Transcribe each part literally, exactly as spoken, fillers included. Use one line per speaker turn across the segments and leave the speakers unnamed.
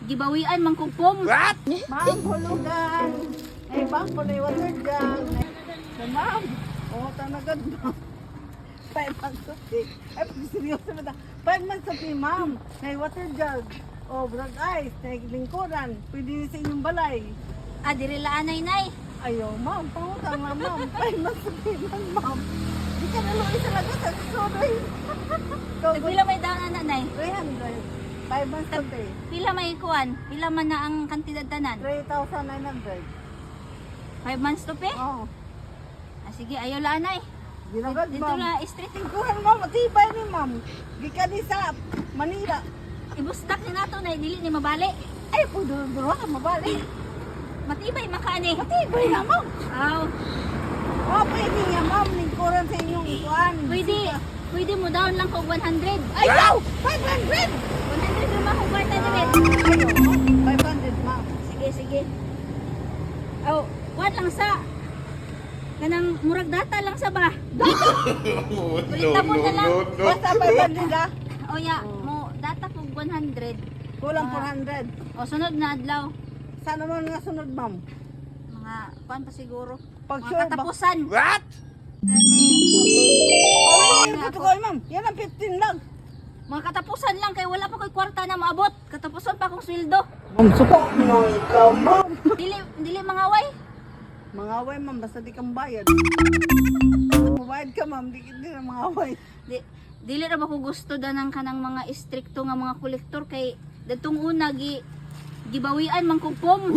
gibawian man kog pom.
What?
Ma'am, hulugan. Ay, bang po na water dyan. Ay, ma'am. Oo, tanagad, ma'am. Five months of pay. Ay, seryoso na ta. Five months of pay, ma'am. Ay, water jug. Oh, black ice. Ay, lingkuran. Pwede na sa inyong balay.
Ah, diri laanay nay.
Ayaw, ma'am. Pangutang na, ma'am. Five months of pay, ma'am. Di ka naluwi sa lagat. Ang susodoy.
Pila may daon ana nay?
three hundred. Five months of pay.
Pila may kuan? Pila man na ang kantidad tanan?
three thousand nine hundred.
Five months to pay?
Oo.
Ah, sige, ayaw laanay.
Ginagad,
Dito
ma'am.
na street.
Tingkuhan, ma'am. Matibay ni, ma'am. Di ka di sa Manila.
Ibustak ni nato nay dili ni mabali.
Ay, po, duro ka mabali.
Matibay makaani.
Matibay na, ma'am.
Aw,
Oh, pwede nga, ma'am. Lingkuran sa inyong ikuan.
pwede. Pwede mo down lang kog one hundred.
Ayaw! five hundred!
one hundred naman kung kwarta dire.
Ayaw, five hundred, ma'am.
Sige, sige. Aw, what lang sa kanang murag data lang sa ba?
No,
Kulita mo na lang.
no, no.
Basta five hundred, ah.
O ya, mo data kog one hundred.
Kulang four hundred.
O sunod na adlaw.
Sana mo nga sunod, ma'am.
Mga kuan pa siguro.
Pag
Mga
sure ba?
katapusan.
What?
Gani.
Ay, protocol, ma'am. Yan ang fifteen lang.
Mga katapusan lang kay wala pa ko'y kwarta na maabot. Katapusan pa akong sweldo.
Ma'am, suko mo ikaw, ma'am.
Dili dili mga way.
Mga away, ma'am. Basta di kang bayad. Mabayad ka, ma'am. Di, di na mga away.
Di, dili ra ba ko gusto danang kanang mga istrikto nga mga kolektor kay datong una gi gibawian man kog pom.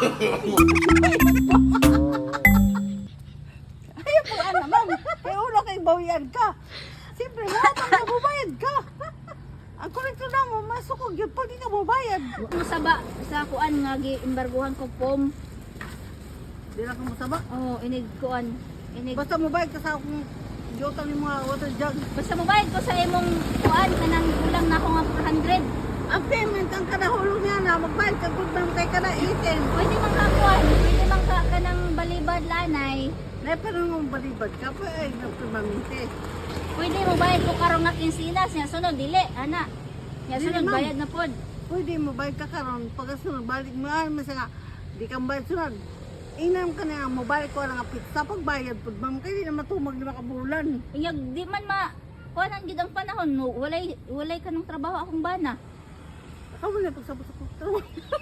Ayaw po, ano, ma'am. Kaya ulo kay bawian ka. Siyempre, lahat ang nabubayad ka. Ang kolektor na mo, masukog yun pag di ka mabayad.
Ano sa ba sa kuan nga giimbarguhan kog pom.
Di na ka masaba.
Oh, inig kuan. Inig
Basta mabayad ka sa akong giyotang yung mga water jug.
basta mobayad ko sa imong kuan kanang kulang na ako nga four hundred.
Ang payment, ang kadahulog niya na, magbayad ka good bang kay kada eighteen.
Pwede man ka kuan, pwede man ka kanang balibad lanay.
Na pero nung balibad ka pa ay nagpamamite.
Pwede mo bayad ko karong nga kinsinas nya sunod dili ana. Nya
Dili,
sunod
ma'am.
bayad na pod.
Pwede mabayad ka karon pagkasunod balik mo ay masa nga di kang bayad sunod. Inam ka na nga mobile ko na nga pizza pagbayad pud ma'am kay di na matumag lima ka bulan.
Inyag di man ma kuanan gid ang panahon no. Walay walay kanang trabaho akong bana.
Ako mo na pagsabot sa kutro.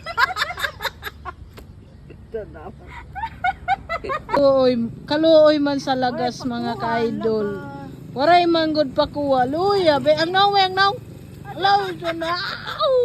Kaluoy, kaluoy man sa lagas mga ka-idol. Waray man gud pakuha. Luya, be ang naw, ang naw. Law, na.